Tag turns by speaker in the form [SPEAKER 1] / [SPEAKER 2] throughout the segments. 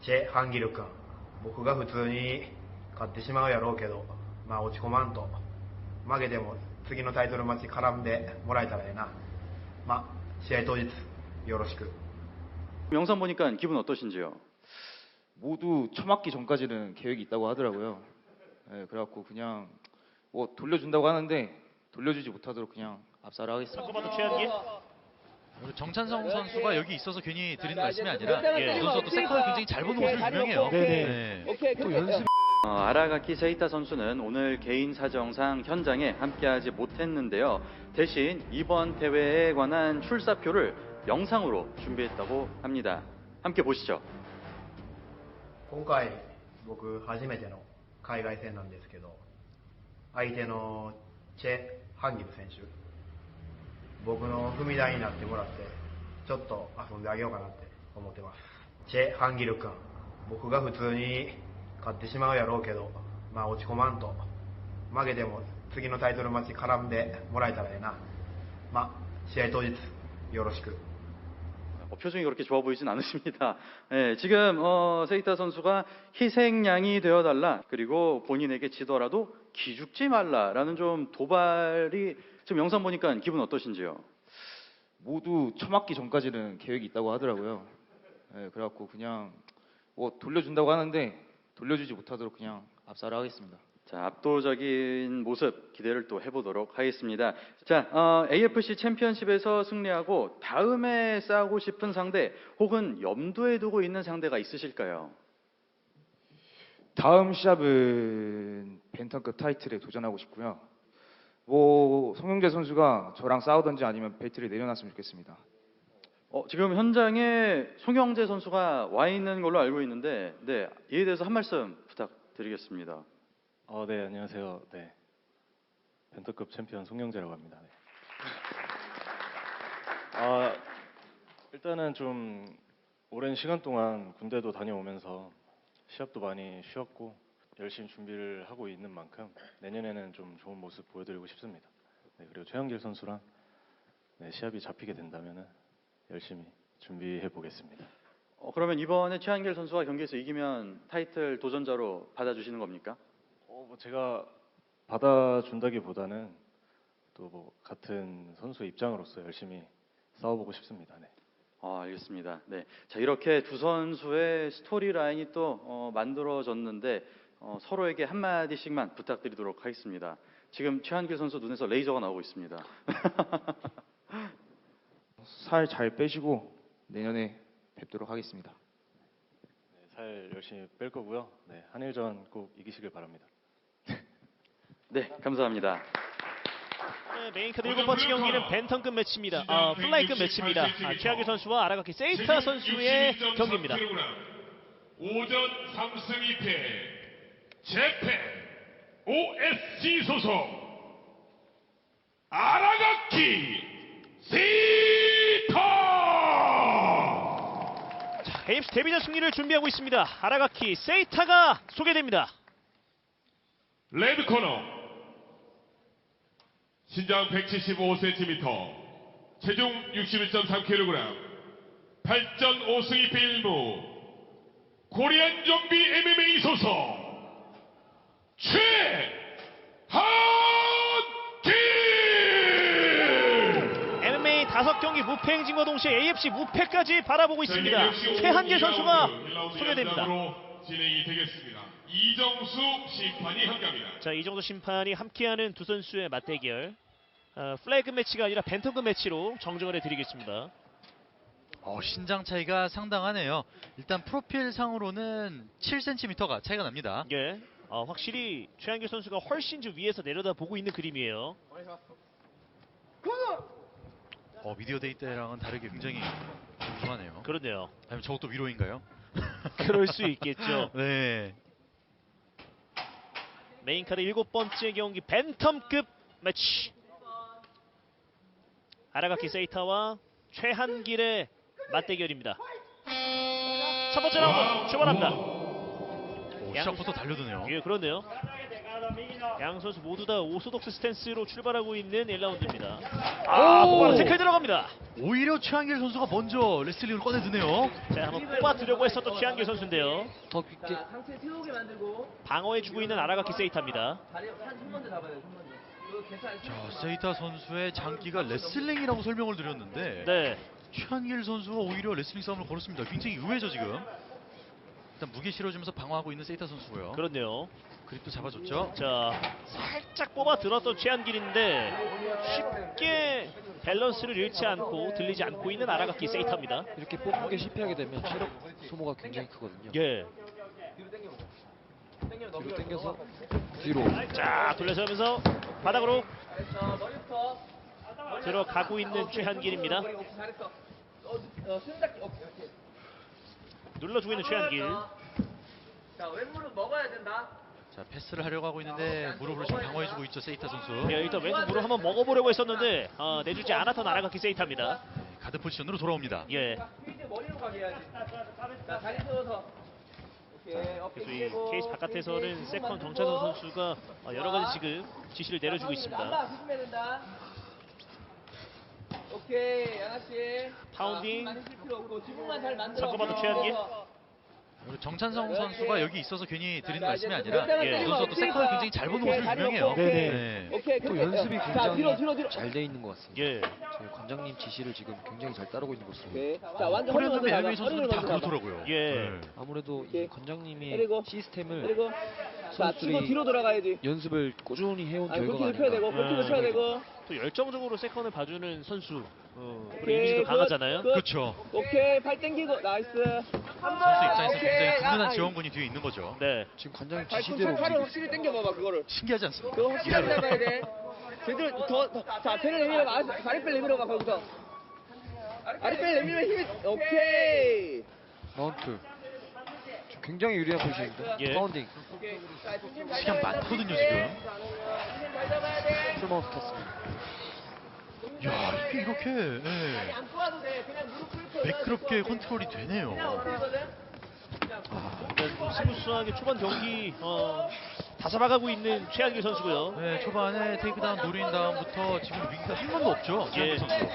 [SPEAKER 1] チェ・ハンギル君、僕が普通に勝ってしまうやろうけど、まあ落ち込まんと、負けても次のタイトルマッチ絡んでもらえたらええな。まあ試合当日よろしく。
[SPEAKER 2] 영상 보니까 기분 어떠신지요?
[SPEAKER 3] 모두 처맞기 전까지는 계획이 있다고 하더라고요. 네, 그래갖고 그냥 뭐 돌려준다고 하는데 돌려주지 못하도록 그냥 압살을 하겠습니다.
[SPEAKER 4] 정찬성 선수가 여기 있어서 괜히 드리는 말씀이 아니라 이 선수가 또 세컨을 굉장히 잘 보는 것으로 유명해요. 네.
[SPEAKER 3] 또 연습.
[SPEAKER 2] 아라가키 세이타 선수는 오늘 개인 사정상 현장에 함께하지 못했는데요. 대신 이번 대회에 관한 출사표를 영상으로 준비했다고 합니다. 함께 보시죠.
[SPEAKER 1] 今回僕初めての海外戦なんですけど、相手のチェ・ハンギル選手、僕の踏み台になってもらってちょっと遊んであげようかなって思ってます。チェ・ハンギル君、僕が普通に勝ってしまうやろうけど、まあ落ち込まんと、負けても次のタイトルマッチ絡んでもらえたらええな。まあ試合当日よろしく。
[SPEAKER 2] 표정이 그렇게 좋아 보이진 않으십니다. 네, 지금 세이타 선수가 희생양이 되어달라, 그리고 본인에게 지더라도 기죽지 말라라는 좀 도발이, 지금 영상 보니까 기분 어떠신지요?
[SPEAKER 3] 모두 처맞기 전까지는 계획이 있다고 하더라고요. 네, 그래갖고 그냥 뭐 돌려준다고 하는데 돌려주지 못하도록 그냥 압살을 하겠습니다.
[SPEAKER 2] 자, 압도적인 모습 기대를 또 해보도록 하겠습니다. 자, AFC 챔피언십에서 승리하고 다음에 싸우고 싶은 상대, 혹은 염두에 두고 있는 상대가 있으실까요?
[SPEAKER 3] 다음 시합은 벤턴급 타이틀에 도전하고 싶고요. 뭐 송영재 선수가 저랑 싸우던지 아니면 벨트를 내려놨으면 좋겠습니다.
[SPEAKER 2] 지금 현장에 송영재 선수가 와 있는 걸로 알고 있는데, 네, 이에 대해서 한 말씀 부탁드리겠습니다.
[SPEAKER 5] 네, 안녕하세요. 네, 벤터급 챔피언 송영재라고 합니다. 네. 일단은 좀 오랜 시간 동안 군대도 다녀오면서 시합도 많이 쉬었고 열심히 준비를 하고 있는 만큼 내년에는 좀 좋은 모습 보여드리고 싶습니다. 네, 그리고 최한길 선수랑 시합이 잡히게 된다면은 열심히 준비해 보겠습니다.
[SPEAKER 2] 그러면 이번에 최한길 선수가 경기에서 이기면 타이틀 도전자로 받아주시는 겁니까?
[SPEAKER 5] 뭐 제가 받아준다기보다는 또 뭐 같은 선수의 입장으로서 열심히 싸워보고 싶습니다. 네.
[SPEAKER 2] 알겠습니다. 네. 자, 이렇게 두 선수의 스토리 라인이 또 만들어졌는데 서로에게 한 마디씩만 부탁드리도록 하겠습니다. 지금 최한길 선수 눈에서 레이저가 나오고 있습니다.
[SPEAKER 3] 살 잘 빼시고 내년에 뵙도록 하겠습니다.
[SPEAKER 5] 네, 살 열심히 뺄 거고요. 네, 한일전 꼭 이기시길 바랍니다.
[SPEAKER 2] 네, 감사합니다.
[SPEAKER 6] 네, 메인카드 7번째 경기는 벤턴급 매치입니다. 플라이급 매치입니다. 최하길 선수와 아라가키 세이타 선수의 경기입니다.
[SPEAKER 7] 오전 3승 2패 재팬 OSG 소속 아라가키 세이타.
[SPEAKER 6] 자, AFC 데뷔전 승리를 준비하고 있습니다. 아라가키 세이타가 소개됩니다.
[SPEAKER 7] 레드 코너 신장 175cm, 체중 61.3kg, 8전 5승 2패 1무, 코리안 좀비 MMA 소속 최한길.
[SPEAKER 6] MMA 5경기 무패 행진과 동시에 AFC 무패까지 바라보고 있습니다. 최한길 선수가 소개됩니다.
[SPEAKER 7] 진행이 되겠습니다. 이정수 심판이 함께합니다.
[SPEAKER 6] 자, 이정도 심판이 함께하는 두 선수의 맞대결, 플래그 매치가 아니라 벤턴급 매치로 정정을 해드리겠습니다.
[SPEAKER 4] 신장 차이가 상당하네요. 일단 프로필 상으로는 7cm가 차이가 납니다.
[SPEAKER 6] 예, 확실히 최한길 선수가 훨씬 좀 위에서 내려다보고 있는 그림이에요.
[SPEAKER 4] 미디어 데이 때랑은 다르게 굉장히 궁금하네요.
[SPEAKER 6] 그렇네요.
[SPEAKER 4] 아니면 저것도 위로인가요?
[SPEAKER 6] 그럴 수 있겠죠.
[SPEAKER 4] 네.
[SPEAKER 6] 메인카드 7번째 경기 벤텀급 매치, 아라가키 세이타와 최한길의 맞대결입니다. 첫 번째 라운드 출발합니다.
[SPEAKER 4] 시작부터 달려드네요.
[SPEAKER 6] 예, 그렇네요. 양 선수 모두 다 오소독스 스탠스로 출발하고 있는 1라운드입니다. 바로 태클 들어갑니다.
[SPEAKER 4] 오히려 최한길 선수가 먼저 레슬링을 꺼내드네요.
[SPEAKER 6] 자, 한번 뽑아두려고 했었던 최한길 선수인데요.
[SPEAKER 8] 더 깊게.
[SPEAKER 9] 상체 세우게 만들고
[SPEAKER 6] 방어해주고 있는 아라가키 세이타입니다.
[SPEAKER 9] 다리 손 먼저 잡아야 돼. 손 먼저. 이거 계산.
[SPEAKER 4] 자, 세이타 선수의 장기가 레슬링이라고 설명을 드렸는데
[SPEAKER 6] 네.
[SPEAKER 4] 최한길 선수가 오히려 레슬링 싸움을 걸었습니다. 굉장히 의외죠 지금. 일단 무게 실어주면서 방어하고 있는 세이타 선수고요.
[SPEAKER 6] 그렇네요.
[SPEAKER 4] 그립도 잡아줬죠.
[SPEAKER 6] 자, 살짝 뽑아 들었던 최한길인데 쉽게 밸런스를 잃지 않고 들리지 않고 있는 아라가키 세이타입니다.
[SPEAKER 8] 이렇게 뽑는 게 실패하게 되면 체력 소모가 굉장히 크거든요.
[SPEAKER 6] 예.
[SPEAKER 8] 뒤로 당겨서 뒤로.
[SPEAKER 6] 자, 돌려서면서 바닥으로
[SPEAKER 9] 잘했어. 머리부터.
[SPEAKER 6] 들어가고 있는 최한길입니다.
[SPEAKER 9] 잘했어. 손 잡기. 오케이.
[SPEAKER 6] 눌러주고 있는 최한길.
[SPEAKER 9] 자, 왼무릎 먹어야 된다.
[SPEAKER 4] 자, 패스를 하려고 하고 있는데 무릎으로 좀 방어해주고 있죠 세이타 선수.
[SPEAKER 6] 예, 일단 왼쪽 무릎 한번 먹어보려고 했었는데 내주지 않았던 아라가키 세이타입니다.
[SPEAKER 4] 가드 포지션으로 돌아옵니다.
[SPEAKER 6] 예.
[SPEAKER 9] 이제 머리로 가게 해야지. 자, 다리 세워서. 오케이. 어깨
[SPEAKER 6] 그래서 이
[SPEAKER 9] 펴고,
[SPEAKER 6] 케이스 바깥에서는 세컨 정찬선 선수가 여러 가지 지금 지시를 내려주고 있습니다.
[SPEAKER 9] 난다. 조심해야 된다. 오케이, 양아 씨.
[SPEAKER 6] 파운딩.
[SPEAKER 9] 많이 쓸 필요 없고 지붕만 잘 만들어.
[SPEAKER 6] 잠깐만, 최한길.
[SPEAKER 4] 그리고 정찬성 선수가 여기 있어서 괜히 드리는
[SPEAKER 9] 자,
[SPEAKER 4] 말씀이
[SPEAKER 9] 이제
[SPEAKER 4] 아니라
[SPEAKER 9] 예.
[SPEAKER 4] 그 선수도 세컨을 굉장히 잘 보는 것으로 유명해요.
[SPEAKER 8] 네네.
[SPEAKER 9] 오케이.
[SPEAKER 8] 또
[SPEAKER 9] 그렇게.
[SPEAKER 8] 연습이
[SPEAKER 9] 자, 뒤로.
[SPEAKER 8] 굉장히 잘 돼 있는 것 같습니다.
[SPEAKER 6] 예.
[SPEAKER 8] 저희 관장님 지시를 지금 굉장히 잘 따르고 있는 것으로.
[SPEAKER 9] 오케이. 자, 완전 허리
[SPEAKER 4] 코리안
[SPEAKER 9] 먼저 잡아.
[SPEAKER 4] MMA
[SPEAKER 9] 허리를
[SPEAKER 4] 선수들은 다
[SPEAKER 9] 먼저 잡아.
[SPEAKER 4] 그렇더라고요.
[SPEAKER 6] 예.
[SPEAKER 4] 네.
[SPEAKER 8] 아무래도 이
[SPEAKER 9] 오케이.
[SPEAKER 8] 관장님의
[SPEAKER 9] 그리고
[SPEAKER 8] 시스템을
[SPEAKER 9] 그리고 자, 치고
[SPEAKER 8] 선수들이
[SPEAKER 9] 뒤로 돌아가야지.
[SPEAKER 8] 연습을 꾸준히 해온
[SPEAKER 9] 아니,
[SPEAKER 8] 결과가
[SPEAKER 9] 골키도 펴야 되고,
[SPEAKER 8] 아닌가.
[SPEAKER 9] 골키도 펴야 되고.
[SPEAKER 6] 또 열정적으로 세컨을 봐주는 선수. 그리고
[SPEAKER 9] 오케이,
[SPEAKER 6] 이미지도
[SPEAKER 9] 굿,
[SPEAKER 6] 강하잖아요.
[SPEAKER 9] 굿.
[SPEAKER 4] 그렇죠.
[SPEAKER 9] 오케이, 팔 당기고, 나이스.
[SPEAKER 4] 선수 입장에서 굉장히 든든한
[SPEAKER 9] 아,
[SPEAKER 4] 지원군이 뒤에 있는 거죠.
[SPEAKER 6] 네.
[SPEAKER 8] 지금 관장님
[SPEAKER 9] 팔
[SPEAKER 8] 지시대로
[SPEAKER 9] 팔을 확실히 당겨봐봐, 그거를.
[SPEAKER 4] 신기하지 않습니까?
[SPEAKER 9] 그거 확실하게 잡아야 돼. 제대로 자, 배를 내밀어봐. 다리뼈 내밀어봐, 거기서. 다리뼈 내밀면 힘이, 오케이.
[SPEAKER 8] 마운트. 지금 굉장히 유리한 포지션입니다.
[SPEAKER 6] 예.
[SPEAKER 8] 파운딩.
[SPEAKER 9] 오케이. 자, 중심 잘
[SPEAKER 4] 시간
[SPEAKER 9] 잡아야
[SPEAKER 4] 많거든요
[SPEAKER 9] 돼.
[SPEAKER 4] 지금.
[SPEAKER 9] 중심 잘 잡아야 돼.
[SPEAKER 8] 풀마운트 탔습니다.
[SPEAKER 4] 야, 이게 이렇게 예,
[SPEAKER 9] 안 꼬아도 돼. 그냥 무릎 꿇고.
[SPEAKER 4] 매끄럽게 컨트롤이 되네요.
[SPEAKER 9] 그냥 엎드리거든.
[SPEAKER 6] 일단 스무스하게 초반 경기 다 잡아가고 있는 최한길 선수고요.
[SPEAKER 4] 네, 초반에 테이크다운 노린 다음부터 지금 위기가 한 번도 없죠.
[SPEAKER 6] 예.
[SPEAKER 4] 최한길 선수.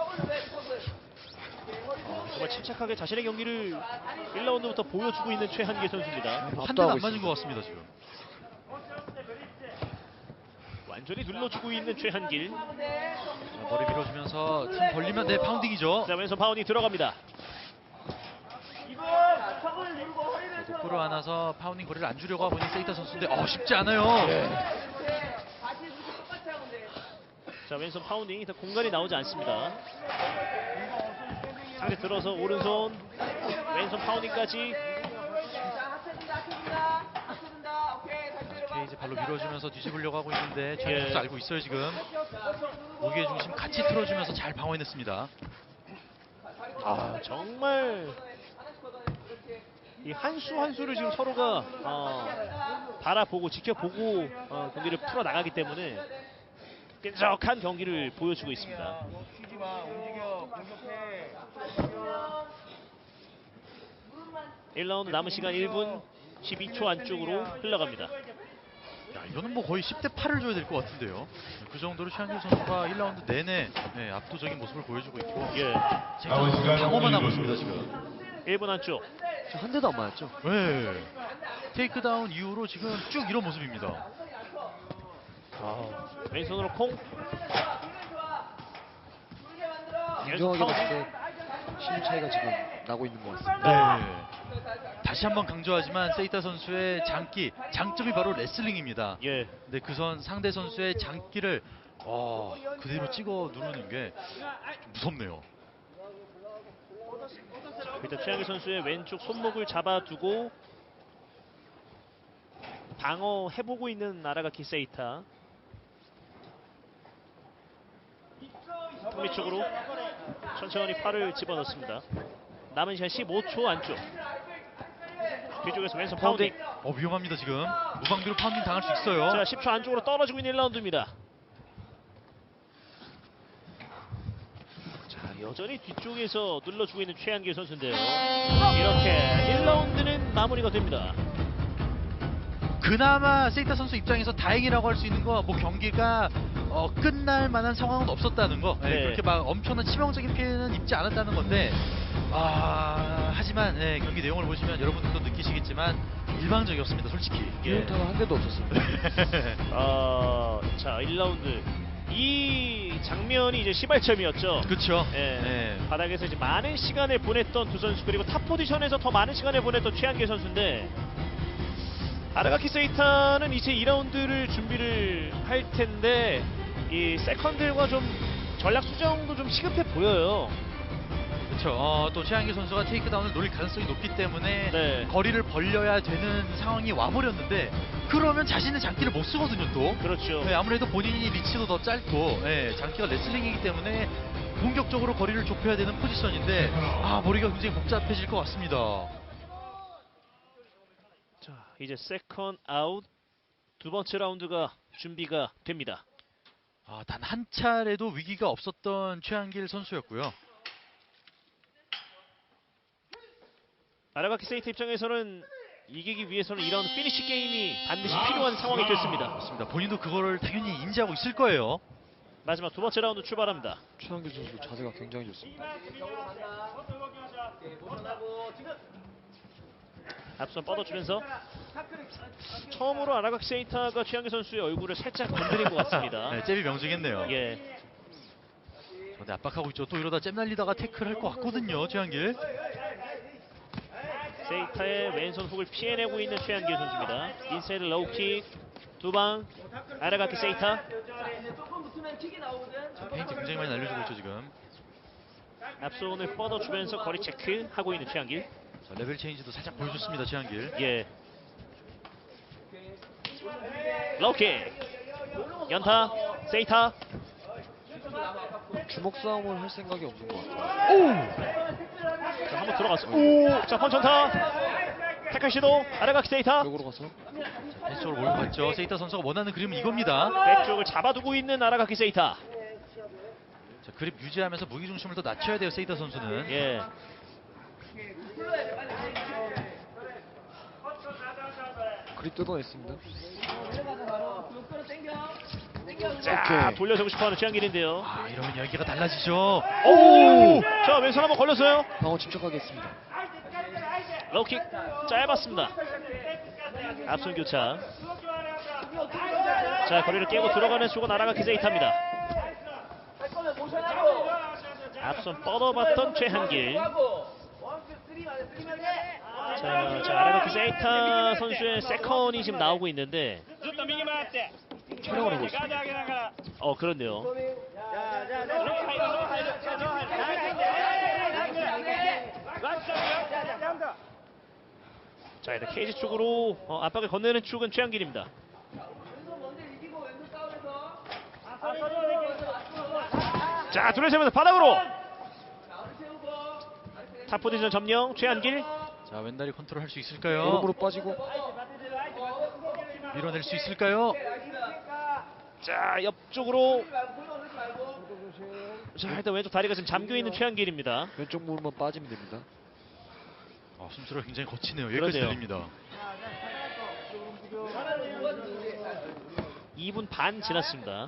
[SPEAKER 6] 정말 침착하게 자신의 경기를 1라운드부터 보여주고 있는 최한길 선수입니다.
[SPEAKER 4] 한 대도
[SPEAKER 8] 압도하고
[SPEAKER 4] 안 맞은 것 같습니다 지금.
[SPEAKER 6] 완전히 눌러주고 있는 최한길.
[SPEAKER 4] 자, 머리 밀어주면서 틈 벌리면 네 파운딩이죠.
[SPEAKER 6] 자, 왼손 파운딩 들어갑니다.
[SPEAKER 9] 턱을 누르고 허리를 펴.
[SPEAKER 4] 끌어 안아서 파운딩 거리를 안 주려고 하고 있는 세이타 선수인데 쉽지 않아요.
[SPEAKER 9] 다시 이렇게 똑같이 하면 돼.
[SPEAKER 6] 자, 왼손 파운딩 일단 공간이 나오지 않습니다. 상대 들어서 오른손 왼손 파운딩까지.
[SPEAKER 9] 자, 합쳐준다. 오케이, 다시 내려가.
[SPEAKER 4] 케이지 발로 밀어주면서 뒤집으려고 하고 있는데 최한길
[SPEAKER 6] 예.
[SPEAKER 4] 선수 알고 있어요 지금. 무게 중심 같이 틀어주면서 잘 방어해냈습니다.
[SPEAKER 6] 정말 이 한 수 한 수를 지금 서로가 바라보고 지켜보고 경기를 풀어 나가기 때문에 끈적한 경기를 보여주고 있습니다.
[SPEAKER 9] 쉬지 마. 움직여. 공격해.
[SPEAKER 6] 1라운드 남은 시간 1분 12초 안쪽으로 흘러갑니다.
[SPEAKER 4] 야, 이거는 뭐 거의 10대 8을 줘야 될 것 같은데요. 그 정도로 최한길 선수가 1라운드 내내 압도적인 모습을 보여주고 있고
[SPEAKER 6] 예.
[SPEAKER 4] 지금 방어만 하고 있습니다 지금.
[SPEAKER 6] 1분 안쪽.
[SPEAKER 8] 지금 한 대도 안 맞았죠?
[SPEAKER 4] 네. 테이크다운 이후로 지금 쭉 이런 모습입니다.
[SPEAKER 6] 왼손으로 콩.
[SPEAKER 8] 인정하게 봤을 때 힘 차이가 지금 나고 있는 것 같습니다.
[SPEAKER 4] 네. 다시 한번 강조하지만 세이타 선수의 장기, 장점이 바로 레슬링입니다.
[SPEAKER 6] 예.
[SPEAKER 4] 근데 그 상대 선수의 장기를 그대로 찍어 누르는 게 좀 무섭네요.
[SPEAKER 6] 일단 최한길 선수의 왼쪽 손목을 잡아두고 방어해보고 있는 아라가키 세이타. 턱밑 쪽으로 천천히 팔을 집어넣습니다. 남은 시간 15초 안쪽. 뒤쪽에서 왼손 파운딩.
[SPEAKER 4] 위험합니다 지금. 무방비로 파운딩 당할 수 있어요.
[SPEAKER 6] 자, 10초 안쪽으로 떨어지고 있는 1라운드입니다. 자, 여전히 뒤쪽에서 눌러주고 있는 최한길 선수인데요. 이렇게 1라운드는 마무리가 됩니다.
[SPEAKER 4] 그나마 세이타 선수 입장에서 다행이라고 할 수 있는 거 뭐 경기가 끝날 만한 상황은 없었다는 거. 예,
[SPEAKER 6] 네.
[SPEAKER 4] 그렇게 막 엄청난 치명적인 피해는 입지 않았다는 건데 하지만 예, 경기 내용을 보시면 여러분들도 느끼시겠지만 일방적이었습니다, 솔직히.
[SPEAKER 8] 유효타가 한 대도 없었습니다.
[SPEAKER 6] 자, 1라운드 이 장면이 이제 시발점이었죠.
[SPEAKER 4] 그렇죠.
[SPEAKER 6] 예. 바닥에서 이제 많은 시간을 보냈던 두 선수, 그리고 탑 포지션에서 더 많은 시간을 보냈던 최한길 선수인데, 아라가키 세이타는 이제 2라운드를 준비를 할 텐데 이 세컨들과 좀 전략 수정도 좀 시급해 보여요.
[SPEAKER 4] 그렇죠. 또 최한길 선수가 테이크다운을 노릴 가능성이 높기 때문에
[SPEAKER 6] 네.
[SPEAKER 4] 거리를 벌려야 되는 상황이 와버렸는데, 그러면 자신의 장기를 못 쓰거든요, 또.
[SPEAKER 6] 그렇죠.
[SPEAKER 4] 네, 아무래도 본인이 리치도 더 짧고, 장기가 레슬링이기 때문에 공격적으로 거리를 좁혀야 되는 포지션인데, 머리가 굉장히 복잡해질 것 같습니다.
[SPEAKER 6] 자, 이제 세컨 아웃 두 번째 라운드가 준비가 됩니다.
[SPEAKER 4] 단 한 차례도 위기가 없었던 최한길 선수였고요.
[SPEAKER 6] 아라가키 세이타 입장에서는 이기기 위해서는 2라운드 피니시 게임이 반드시 필요한 상황이 됐습니다.
[SPEAKER 4] 맞습니다. 본인도 그거를 당연히 인지하고 있을 거예요.
[SPEAKER 6] 마지막 두 번째 라운드 출발합니다.
[SPEAKER 8] 최한길 선수 자세가 굉장히 좋습니다.
[SPEAKER 6] 앞선 뻗어주면서 처음으로 아라가키 세이타가 최한길 선수의 얼굴을 살짝 건드린 것 같습니다.
[SPEAKER 4] 네, 잽이 명중했네요.
[SPEAKER 6] 예.
[SPEAKER 4] 네, 압박하고 있죠. 또 이러다 잽 날리다가 태클할 것 같거든요, 최한길.
[SPEAKER 6] 세이타의 왼손 훅을 피해내고 있는 최한길 선수입니다. 인사이드 로우킥 두 방. 아라가키 세이타.
[SPEAKER 4] 페인트 굉장히 많이 날려주고 있죠, 지금.
[SPEAKER 6] 앞손을 뻗어주면서 거리 체크 하고 있는 최한길.
[SPEAKER 4] 자, 레벨 체인지도 살짝 보여줬습니다, 최한길.
[SPEAKER 6] 예. 로우킥. 연타. 세이타.
[SPEAKER 8] 주먹 싸움을 할 생각이 없는 것 같아요.
[SPEAKER 6] 자, 한번 들어갔어. 오! 자, 펀천타. 태클 시도. 아라가키 세이타.
[SPEAKER 8] 벽으로 가서
[SPEAKER 4] 왼쪽으로 몰고 갔죠. 세이타 선수가 원하는 그림은 이겁니다.
[SPEAKER 6] 백쪽을 잡아두고 있는 아라가키 세이타.
[SPEAKER 4] 자, 그립 유지하면서 무게중심을 더 낮춰야 돼요, 세이타 선수는.
[SPEAKER 6] 예.
[SPEAKER 8] 그립 뜯어냈습니다.
[SPEAKER 6] 자, 돌려주고 싶어하는 최한길인데요.
[SPEAKER 4] 이러면 열기가 달라지죠.
[SPEAKER 6] 오! 자, 왼손 한번 걸렸어요.
[SPEAKER 8] 방어 침착하게 했습니다.
[SPEAKER 6] 로우킥 짧았습니다. 앞손 교차. 자, 거리를 깨고 들어가는 쪽은 아라가키 세이타입니다. 앞손 뻗어봤던 최한길. 자, 아라가키 세이타 선수의 세컨이 지금 나오고 있는데,
[SPEAKER 8] 촬영을 하고 있습니다.
[SPEAKER 6] 그렇네요. 자, 일단 케이지 쪽으로 압박을 건네는 축은 최한길입니다. 자, 둘러세면서 바닥으로. 탑 포지션 점령 최한길.
[SPEAKER 4] 자, 왼다리 컨트롤 할 수 있을까요?
[SPEAKER 8] 무릎으로 빠지고
[SPEAKER 4] 밀어낼 수 있을까요?
[SPEAKER 6] 자, 옆쪽으로. 자, 일단 왼쪽 다리가 지금 잠겨있는 최한길입니다.
[SPEAKER 8] 왼쪽 무릎만 빠지면 됩니다.
[SPEAKER 4] 숨소리가 굉장히 거치네요. 여기까지
[SPEAKER 6] 그러네요.
[SPEAKER 4] 들립니다.
[SPEAKER 6] 2분 반 지났습니다.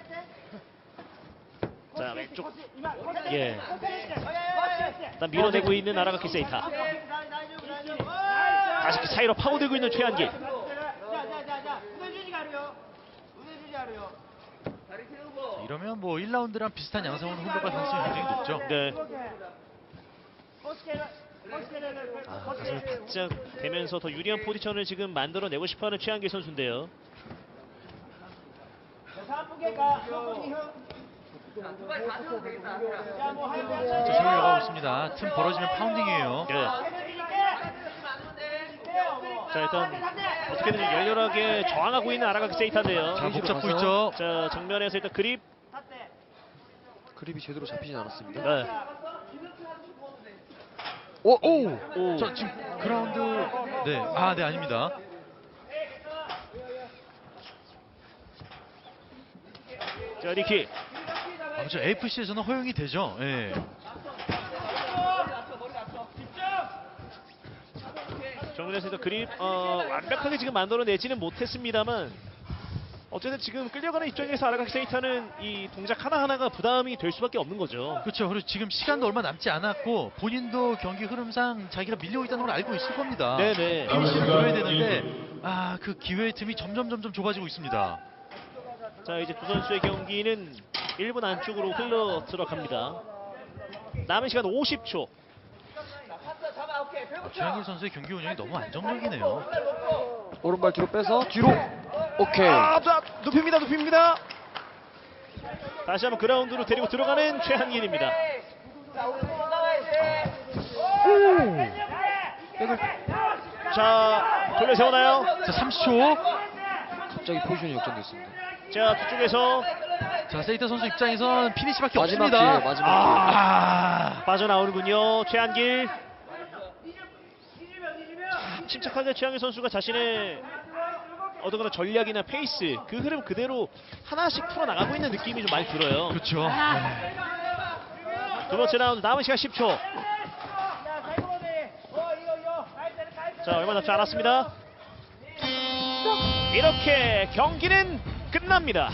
[SPEAKER 6] 자, 왼쪽. 예. 일단 밀어내고 있는 아라가키 세이타. 다시 사이로 파고들고 있는 최한길.
[SPEAKER 4] 이러면 뭐 1라운드랑 비슷한 양상으로 흘러갈 가능성이 굉장히 높죠.
[SPEAKER 6] 네. 가슴을 바짝 대면서 더 유리한 포지션을 지금 만들어내고 싶어하는 최한길 선수인데요.
[SPEAKER 4] 자, 세우려고 하고 있습니다. 틈 벌어지면 파운딩이에요.
[SPEAKER 6] 네. 자, 일단 어떻게든 열렬하게 저항하고 있는 아라가키 세이타인데요.
[SPEAKER 4] 자, 목 잡고 있죠.
[SPEAKER 6] 자, 정면에서 일단 그립.
[SPEAKER 8] 그립이 제대로 잡히진 않았습니다.
[SPEAKER 6] 네.
[SPEAKER 8] 오!
[SPEAKER 4] 자, 지금 그라운드. 네. 네, 아닙니다.
[SPEAKER 6] 자, 리킥.
[SPEAKER 4] 저 AFC에서는 허용이 되죠.
[SPEAKER 6] 정면에서 그립 완벽하게 지금 만들어내지는 못했습니다만 어쨌든 지금 끌려가는 입장에서 아라가키 세이타는 이 동작 하나하나가 부담이 될 수밖에 없는 거죠.
[SPEAKER 4] 그렇죠. 그리고 지금 시간도 얼마 남지 않았고 본인도 경기 흐름상 자기가 밀려 있다는 걸 알고 있을 겁니다.
[SPEAKER 6] 네네.
[SPEAKER 4] 피니시를 들어야 되는데 그 기회의 틈이 점점 좁아지고 있습니다.
[SPEAKER 6] 자, 이제 두 선수의 경기는 1분 안쪽으로 흘러 들어갑니다. 남은 시간 50초.
[SPEAKER 4] 최한길 선수의 경기 운영이 너무 안정적이네요.
[SPEAKER 8] 오른발 뒤로 빼서 뒤로. 오케이.
[SPEAKER 6] 눕힙니다. 다시 한번 그라운드로 데리고 들어가는 최한길입니다. 자, 돌려 세우나요?
[SPEAKER 4] 자, 30초.
[SPEAKER 8] 갑자기 포지션이 역전됐습니다.
[SPEAKER 6] 자, 뒤쪽에서
[SPEAKER 4] 자, 세이타 선수 입장에선 피니시밖에
[SPEAKER 8] 마지막
[SPEAKER 4] 없습니다.
[SPEAKER 8] 기회, 마지막 기회.
[SPEAKER 6] 빠져나오는군요. 최한길. 침착하게 최한길 선수가 자신의 어떤 그런 전략이나 페이스, 그 흐름 그대로 하나씩 풀어나가고 있는 느낌이 좀 많이 들어요.
[SPEAKER 4] 그렇죠.
[SPEAKER 6] 두 번째 라운드 남은 시간 10초. 자, 얼마 남지 않았습니다. 이렇게 경기는 끝납니다.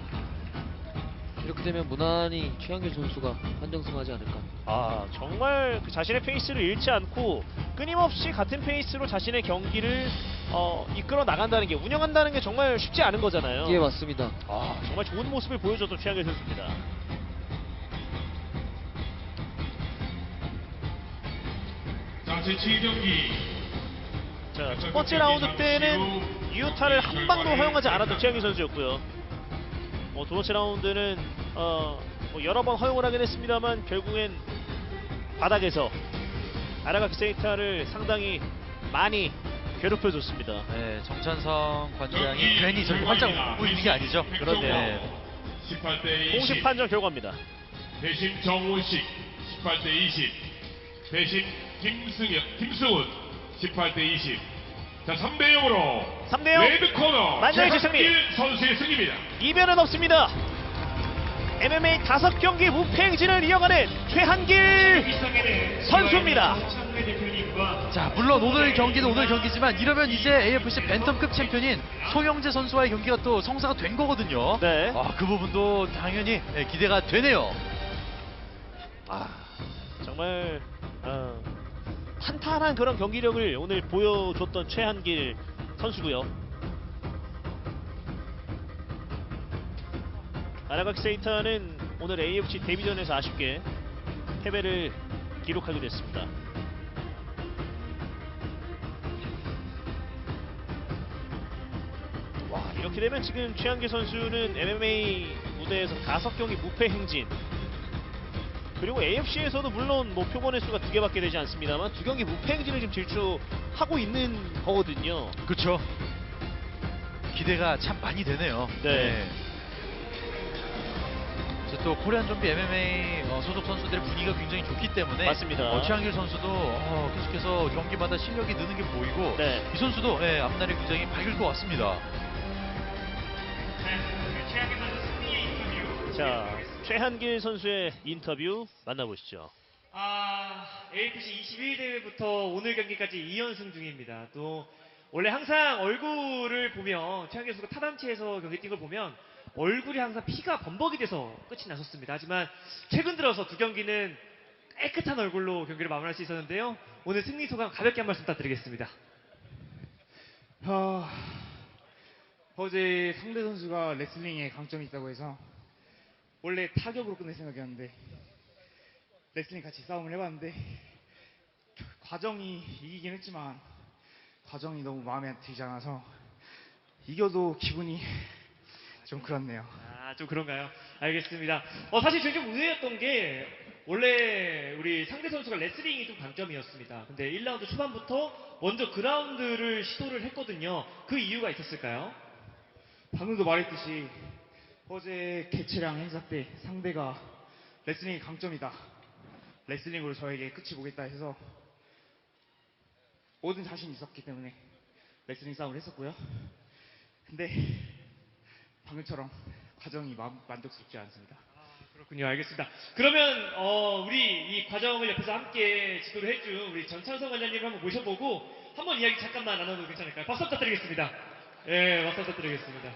[SPEAKER 8] 이렇게 되면 무난히 최한길 선수가 한정승하지 않을까.
[SPEAKER 6] 정말 그 자신의 페이스를 잃지 않고 끊임없이 같은 페이스로 자신의 경기를 이끌어 나간다는 게, 운영한다는 게 정말 쉽지 않은 거잖아요.
[SPEAKER 8] 예, 맞습니다.
[SPEAKER 6] 정말 좋은 모습을 보여줬던 최한길 선수입니다.
[SPEAKER 7] 자, 제7경기.
[SPEAKER 6] 자, 첫 번째 라운드 때는 유타를 한 방도 허용하지 않았던 최한길 선수였고요. 두 번째 라운드는 여러 번 허용을 하긴 했습니다만 결국엔 바닥에서 아라가키 세이타를 상당히 많이 괴롭혀줬습니다.
[SPEAKER 4] 네, 정찬성 관장이 괜히 저렇게 활짝 웃고 있는 게 아니죠.
[SPEAKER 6] 그런데
[SPEAKER 7] 18대 20.
[SPEAKER 6] 공식 판정 결과입니다.
[SPEAKER 7] 대신 정우식 18대 20. 대신 김승훈 18대 20. 자, 3대 0으로
[SPEAKER 6] 3대 0.
[SPEAKER 7] 레드 코너
[SPEAKER 6] 만장일치 승리.
[SPEAKER 7] 최한길 선수의 승리입니다.
[SPEAKER 6] 이변은 없습니다. MMA 5경기 무패 행진을 이어가는 최한길 선수입니다.
[SPEAKER 4] 자, 물론 오늘 경기는 오늘 경기지만 이러면 이제 AFC 벤텀급 챔피언인 송영재 선수와의 경기가 또 성사가 된 거거든요.
[SPEAKER 6] 네.
[SPEAKER 4] 그 부분도 당연히 기대가 되네요.
[SPEAKER 6] 정말 탄탄한 그런 경기력을 오늘 보여줬던 최한길 선수고요. 아라가키 세이타는 오늘 AFC 데뷔전에서 아쉽게 패배를 기록하게 됐습니다. 이렇게 되면 지금 최한길 선수는 MMA 무대에서 5경기 무패 행진, 그리고 AFC에서도 물론 뭐 표본의 수가 2개밖에 되지 않습니다만 2경기 무패 행진을 지금 질주하고 있는 거거든요.
[SPEAKER 4] 그렇죠. 기대가 참 많이 되네요.
[SPEAKER 6] 네.
[SPEAKER 4] 또 코리안 좀비 MMA 소속 선수들의 분위기가 굉장히 좋기 때문에
[SPEAKER 6] 맞습니다.
[SPEAKER 4] 최한길 선수도 계속해서 경기마다 실력이 느는 게 보이고
[SPEAKER 6] 네.
[SPEAKER 4] 이 선수도 앞날이 굉장히 밝을 것 같습니다.
[SPEAKER 6] 자, 최한길 선수의 인터뷰 만나보시죠.
[SPEAKER 10] AFC 21대회부터 오늘 경기까지 2연승 중입니다. 또 원래 항상 얼굴을 보면 최한길 선수가 타단체에서 경기 뛴 걸 보면 얼굴이 항상 피가 범벅이 돼서 끝이 났었습니다. 하지만 최근 들어서 두 경기는 깨끗한 얼굴로 경기를 마무리할 수 있었는데요. 오늘 승리 소감 가볍게 한 말씀 부탁드리겠습니다.
[SPEAKER 11] 어제 상대 선수가 레슬링에 강점이 있다고 해서 원래 타격으로 끝낼 생각이었는데 레슬링 같이 싸움을 해봤는데 과정이 이기긴 했지만 과정이 너무 마음에 들지 않아서 이겨도 기분이 좀 그렇네요.
[SPEAKER 10] 좀 그런가요? 알겠습니다. 사실 저는 좀 의외였던 게 원래 우리 상대 선수가 레슬링이 좀 강점이었습니다. 근데 1라운드 초반부터 먼저 그라운드를 시도를 했거든요. 그 이유가 있었을까요?
[SPEAKER 11] 방금도 말했듯이 어제 개체량 행사 때 상대가 레슬링이 강점이다. 레슬링으로 저에게 끝이 보겠다 해서 모든 자신이 있었기 때문에 레슬링 싸움을 했었고요. 근데 방금처럼 과정이 만족스럽지 않습니다.
[SPEAKER 10] 그렇군요. 알겠습니다. 그러면 우리 이 과정을 옆에서 함께 지도를 해준 우리 전찬성 관장님을 한번 모셔보고 한번 이야기 잠깐만 나눠도 괜찮을까요? 박수 부탁드리겠습니다. 예, 박수 부탁드리겠습니다.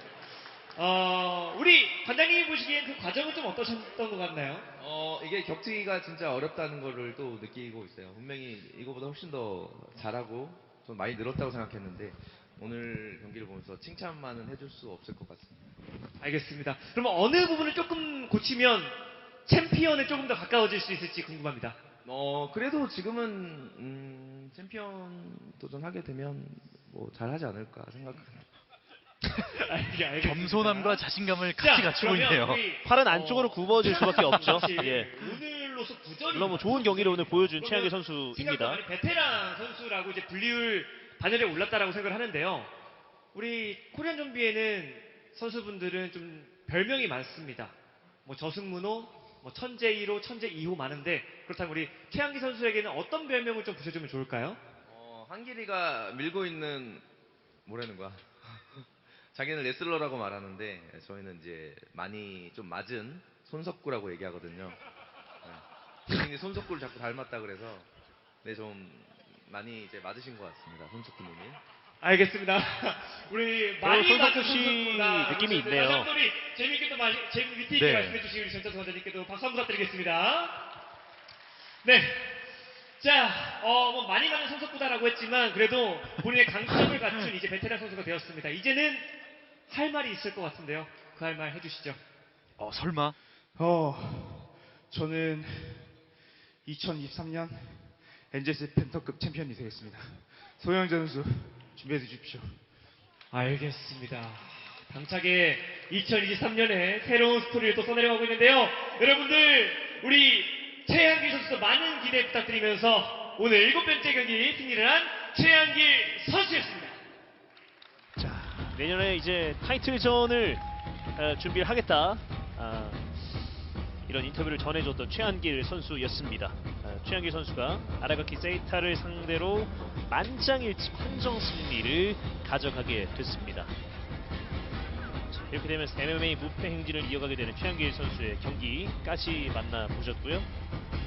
[SPEAKER 10] 우리 관장님이 보시기엔 그 과정은 좀 어떠셨던 것 같나요?
[SPEAKER 9] 이게 격투기가 진짜 어렵다는 거를 또 느끼고 있어요. 분명히 이거보다 훨씬 더 잘하고 좀 많이 늘었다고 생각했는데 오늘 경기를 보면서 칭찬만은 해줄 수 없을 것 같습니다.
[SPEAKER 10] 알겠습니다. 그러면 어느 부분을 조금 고치면 챔피언에 조금 더 가까워질 수 있을지 궁금합니다.
[SPEAKER 9] 그래도 지금은 챔피언 도전하게 되면 뭐 잘하지 않을까 생각합니다.
[SPEAKER 4] 겸손함과 자신감을 같이 갖추고 있네요.
[SPEAKER 6] 팔은 안쪽으로 굽어질 수밖에 없죠. 예.
[SPEAKER 10] 오늘로서 부전이
[SPEAKER 6] 물론 뭐 좋은 경기를 오늘 보여준 최한길 선수입니다.
[SPEAKER 10] 생각보다 베테랑 선수라고 이제 분리율 반열에 올랐다라고 생각을 하는데요. 우리 코리안 좀비에는 선수분들은 좀 별명이 많습니다. 뭐 저승문호, 뭐 천재 1호, 천재 2호 많은데 그렇다면 우리 최한길 선수에게는 어떤 별명을 좀 붙여주면 좋을까요?
[SPEAKER 9] 한길이가 밀고 있는 뭐라는 거야? 자기는 레슬러라고 말하는데 저희는 이제 많이 좀 맞은 손석구라고 얘기하거든요. 본인이 손석구를 자꾸 닮았다 그래서 좀 많이 이제 맞으신 것 같습니다. 손석구님이.
[SPEAKER 10] 알겠습니다. 우리 많이
[SPEAKER 6] 손석구 씨 느낌이 있네요.
[SPEAKER 10] 다시 한번 우리 재미있게 또 재미 위트 있게
[SPEAKER 6] 네.
[SPEAKER 10] 말씀해 주신 우리 전찬수 관장님께도 박수 한번 부탁드리겠습니다. 네. 자, 뭐 많이 가는 손석구다라고 했지만 그래도 본인의 강점을 갖춘 이제 베테랑 선수가 되었습니다. 이제는 할 말이 있을 것 같은데요. 그 할 말 해주시죠.
[SPEAKER 4] 설마?
[SPEAKER 11] 저는 2023년 NJS 펜터급 챔피언이 되겠습니다. 소영 선수 준비해 주십시오.
[SPEAKER 10] 알겠습니다. 당차게 2023년에 새로운 스토리를 또 써내려가고 있는데요. 여러분들 우리 최한길 선수도 많은 기대 부탁드리면서 오늘 7번째 경기 승리를 한 최한길 선수였습니다.
[SPEAKER 6] 내년에 이제 타이틀전을 준비를 하겠다. 이런 인터뷰를 전해줬던 최한길 선수였습니다. 최한길 선수가 아라가키 세이타를 상대로 만장일치 판정 승리를 가져가게 됐습니다. 자, 이렇게 되면서 MMA 무패 행진을 이어가게 되는 최한길 선수의 경기까지 만나보셨고요.